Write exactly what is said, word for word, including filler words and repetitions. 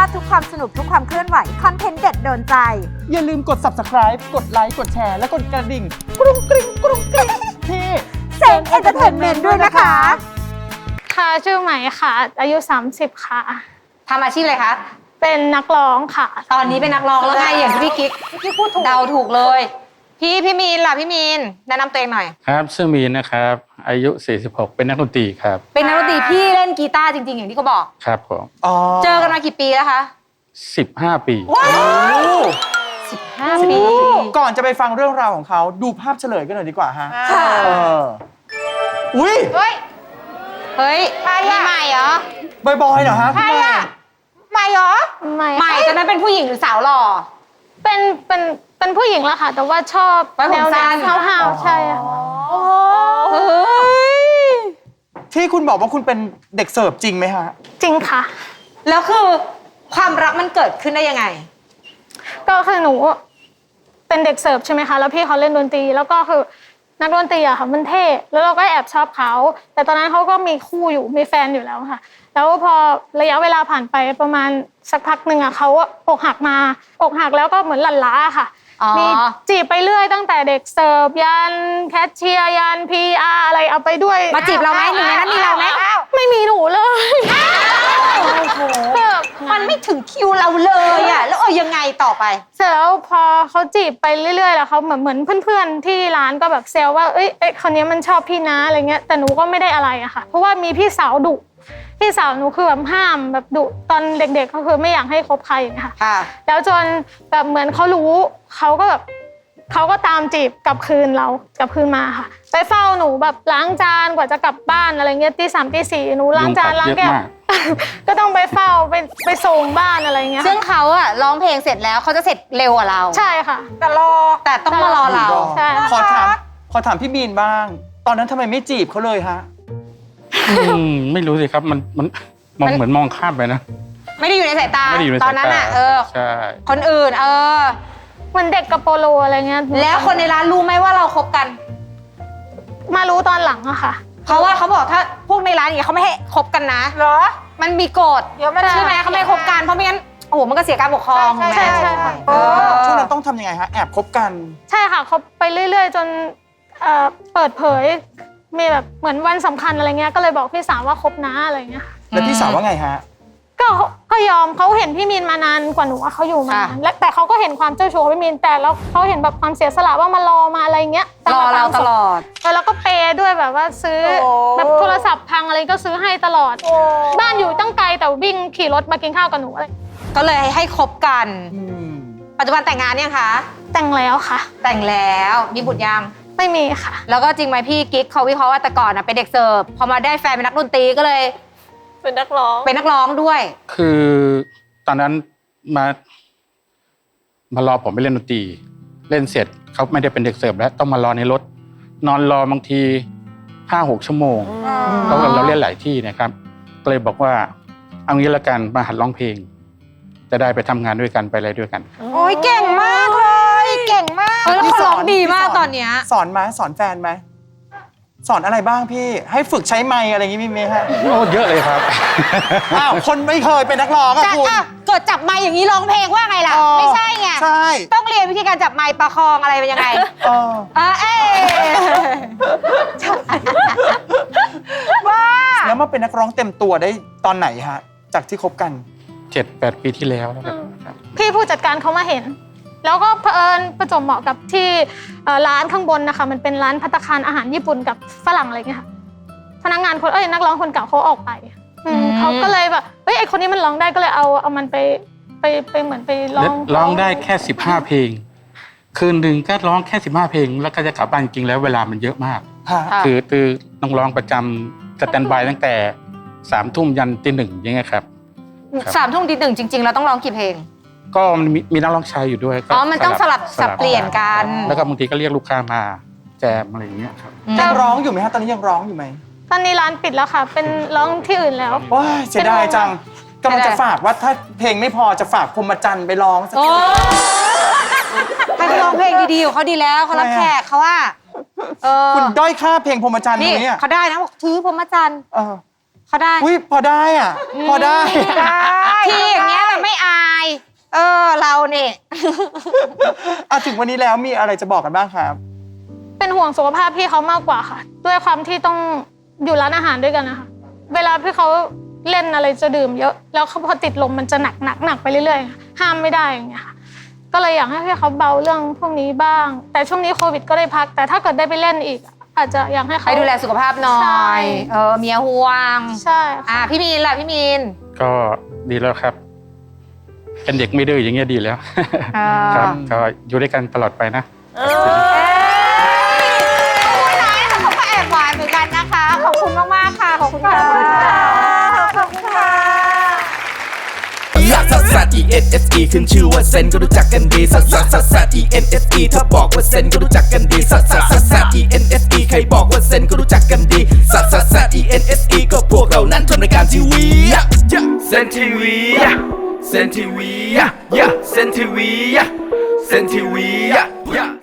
ดทุกความสนุกทุกความเคลื่อนไหวคอนเทนต์เด็ดโดนใจอย่าลืมกด ซับสไครบ์ กดไลค์กดแชร์และกดกระดิ่งกรุ้งกริ้งกรุ้งกริ้งที่เซนเอนเตอร์เทนเมนต์ด้วยนะคะค่ะชื่อใหม่ค่ะอายุสามสิบค่ะทำอาชีพอะไรคะเป็นนักร้องค่ะตอนนี้เป็นนักร้องแล้วไงอย่างที่พี่กิ๊กพี่กิ๊กพูดถูกเดาถูกเลยพี่พี่มีนล่ะพี่มีนแนะนำตัวเองหน่อยครับชื่อมีนนะครับอายุสี่สิบหกเป็นนักดนตรีครับเป็นนักดนตรีพี่เล่นกีตาร์จริงๆอย่างที่เขาบอกครับผมเจอกันมากี่ปีแล้วคะสิบห้าปีว้าวสิบห้าปีก่อนจะไปฟังเรื่องราวของเขาดูภาพเฉลยกันหน่อยดีกว่าฮะค่ะอุ้ยเฮ้ยเฮ้ยใครอะใหม่เหรอบอยๆเหรอฮะใครอะใหม่เหรอใหม่ใหม่ตอนนั้นเป็นผู้หญิงหรือสาวหล่อเป็นเป็นเป็นผู้หญิงแล้วค่ะแต่ว่าชอบแนวสั้นห้าวๆใช่ค่ะเฮ้ยที่คุณบอกว่าคุณเป็นเด็กเสิร์ฟจริงไหมฮะจริงค่ะแล้วคือความรักมันเกิดขึ้นได้ยังไงก็คือหนูเป็นเด็กเสิร์ฟใช่ไหมคะแล้วพี่เขาเล่นดนตรีแล้วก็คือนักดนตรีอะค่ะมันเท่แล้วเราก็แอบชอบเขาแต่ตอนนั้นเขาก็มีคู่อยู่มีแฟนอยู่แล้วค่ะแล้วพอระยะเวลาผ่านไปประมาณสักพักหนึ่งอะเขาอกหักมาอกหักแล้วก็เหมือนหลั่นล้าค่ะมีจีบไปเรื่อยตั้งแต่เด็กเสิร์ฟยันแคชเชียร์ยันพีอาร์อะไรเอาไปด้วยมาจีบเราไหมหนึ่งในนั้นมีเราไหมไม่มีหนูเลยมันไม่ถึงคิวเราเลยอะแล้วเออยังไงต่อไปเสร็จแล้วพอเขาจีบไปเรื่อยๆแล้วเขาเหมือนเหมือนเพื่อนๆที่ร้านก็แบบเซลว่าเอ้ยเอ้ยคนนี้มันชอบพี่นะอะไรเงี้ยแต่หนูก็ไม่ได้อะไรอะค่ะเพราะว่ามีพี่สาวดุพี่สาวหนูคือแบบห้ามแบบดุตอนเด็กๆก็คือไม่อยากให้คบใครอย่างเงี้ยค่ะแล้วจนแบบเหมือนเขารู้เขาก็แบบเขาก็ตามจีบกลับคืนเรากลับคืนมาค่ะไปเฝ้าหนูแบบล้างจานกว่าจะกลับบ้านอะไรเงี้ยตีสามตีสี่หนูล้างจานล้างแก้วก็ต้องไปเฝ้าไปไปส่งบ้านอะไรเงี้ยซึ่งเขาอะร้องเพลงเสร็จแล้วเขาจะเสร็จเร็วกว่าเราใช่ค่ะแต่รอแต่ต้องมารอเราใช่ขอถามขอถามพี่บีนบ้างตอนนั้นทำไมไม่จีบเขาเลยฮะไม่รู้สิครับมันมันมองเหมือนมองข้ามไปนะไม่ได้อยู่ในสายตาไม่ได้อยู่ในสายตาตอนนั้นอะเออใช่คนอื่นเออเหมือนเด็กกับโปโลอะไรเงี้ยแล้วคนในร้านรู้ไหมว่าเราคบกันมารู้ตอนหลังอะค่ะเพราะว่าเขาบอกถ้าพวกในร้านอย่างเงี้ยเขาไม่ให้คบกันนะเหรอมันมีกฎใช่ไหมเขาไม่ให้คบกันเพราะไม่งั้นโอ้โหมันก็เสียการปกครองใช่ใช่ใช่ค่ะช่วงนั้นต้องทำยังไงฮะแอบคบกันใช่ค่ะคบไปเรื่อยๆจนเปิดเผยมีแบบเหมือนวันสำคัญอะไรเงี้ยก็เลยบอกพี่สาวว่าคบนะอะไรเงี้ยแล้วพี่สาวว่าไงฮะก็ก็ยอมเขาเห็นพี่มีนมานานกว่าหนูเขาอยู่มานานและแต่เขาก็เห็นความเจ้าชู้ของพี่มีนแต่แล้วเขาเห็นแบบความเสียสละว่ามารอมาอะไรเงี้ยรอเราตลอดแล้วก็เปย์ด้วยแบบว่าซื้อแบบโทรศัพท์พังอะไรก็ซื้อให้ตลอดบ้านอยู่ตั้งไกลแต่วิ่งขี่รถมากินข้าวกับหนูอะไรก็เลยให้คบกันปัจจุบันแต่งงานยังคะแต่งแล้วค่ะแต่งแล้วมีบุตรยังไม่มีค่ะแล้วก็จริงไหมพี่กิ๊กเขาวิเคราะห์ว่าแต่ก่อนเป็นเด็กเสิร์ฟพอมาได้แฟนเป็นนักดนตรีก็เลยเป็นนักร้องเป็นนักร้องด้วยคือตอนนั้นมามารอผมไปเล่นดนตรีเล่นเสร็จเขาไม่ได้เป็นเด็กเสิร์ฟแล้วต้องมารอในรถนอนรอบางทีห้าหกชั่วโมงเพราะเราเล่นหลายที่นะครับก็เลยบอกว่าเอางี้ละกันมาหัดร้องเพลงจะได้ไปทำงานด้วยกันไปอะไรด้วยกันโอ้ยเก่งมากเลยเก่งมากแล้วเขาร้องดีมากตอนเนี้ยสอนไหมสอนแฟนไหมสอนอะไรบ้างพี่ให้ฝึกใช้ไมค์อะไรอย่างงี้มีไหมฮะโอ้เยอะเลยครับอ้าวคนไม่เคยเป็นนักร้องอะคุณเกิดจับไมค์อย่างนี้ร้องเพลงว่าไงล่ะไม่ใช่ไงใช่ต้องเรียนวิธีการจับไมค์ประคองอะไรเป็นยังไงเออเออเอ๊ว่าแล้วมาเป็นนักร้องเต็มตัวได้ตอนไหนฮะจากที่คบกันเจ็ดแปดปีที่แล้วครับพี่ผู้จัดการเขามาเห็นแล้วก็เผอิญประจวบเหมาะกับที่ร้านข้างบนนะคะมันเป็นร้านภัตตาคารอาหารญี่ปุ่นกับฝรั่งอะไรเงี้ยค่ะพนักงานคนเอ้ยนักร้องคนเก่าเขาออกไปเขาก็เลยแบบเฮ้ยไอคนนี้มันร้องได้ก็เลยเอาเอามันไปไปไปเหมือนไปร้องร้องได้แค่สิบห้าเพลงคืนหนึ่งก็ร้องแค่สิบห้าเพลงแล้วก็จะกลับบ้านจริงแล้วเวลามันเยอะมากคือคือต้องร้องประจำสแตนด์บายตั้งแต่สามทุ่มยันตีหนึ่งอย่างเงี้ยครับสามทุ่มตีหนึ่งจริงๆเราต้องร้องกี่เพลงก็มีมีนักร้องชายอยู่ด้วยอ๋อมันต้องสลับสับเปลี่ยนกันแล้วก็บางทีก็เรียกลูกค้ามาแจมอะไรอย่างเงี้ยครับยังร้องอยู่ไหมฮะตอนนี้ยังร้องอยู่ไหมตอนนี้ร้านปิดแล้วค่ะเป็นร้องที่อื่นแล้วว้าเสียดายจังกำลังจะฝากว่าถ้าเพลงไม่พอจะฝากพรหมจันทร์ไปร้องสักทีให้ไปร้องเพลงดีๆของเขาดีแล้วเขารับแขกเขาว่าคุณด้อยค่าเพลงพรหมจันทร์นี่เขาได้นะถือพรหมจันทร์เขาได้อุ้ยพอได้อ่ะพอได้ที่อย่างเงี้ยเราไม่เอาอ่ะถึงวันนี้แล้วมีอะไรจะบอกกันบ้างครับเป็นห่วงสุขภาพพี่เขามากกว่าค่ะ ด้วยความที่ต้องอยู่ร้านอาหารด้วยกันนะคะเวลาพี่เขาเล่นอะไรจะดื่มเยอะแล้วเขาพอติดลมมันจะหนักหนักหนักไปเรื่อยๆห้ามไม่ได้อย่างเงี้ยค่ะก็เลยอยากให้พี่เขาเบาเรื่องพวกนี้บ้าง แต่ช่วงนี้โควิดก็ได้พักแต่ถ้าเกิดได้ไปเล่นอีกอาจจะอยากให้เขาไปดูแลสุขภาพหน่อใช่ยเออเมียห่วงใช่ค่ะอ่ะพี่มีนล่ะพี่มีนก็ดีแล้วครับ เป็นเด็กไม่ดื้ออย่างเงี้ยดีแล้วอ่าครับก็อยู่ด้วยกันตลอดไปนะเอ้ยน้อยนะคะเขาก็แอบหวานเหมือนกันนะคะ ขอบคุณมากๆค่ะ ขอบคุณค่ะขอบคุณค่ะลักซัสซัส E N S E ขึ้นชื่อว่าเซนก็รู้จักกันดีซัสซัสซัสซัส E N S E ถ้าบอกว่าเซนก็รู้จักกันดีซัสซัสซัสซัส E N S E ใครบอกว่าเซนก็รู้จักกันดีซัสซัสซัส E N S E ก็พวกเรานั้นทำรายการทีวีเซนทีวีเซนทีวีเซนทีวีเซนทีวี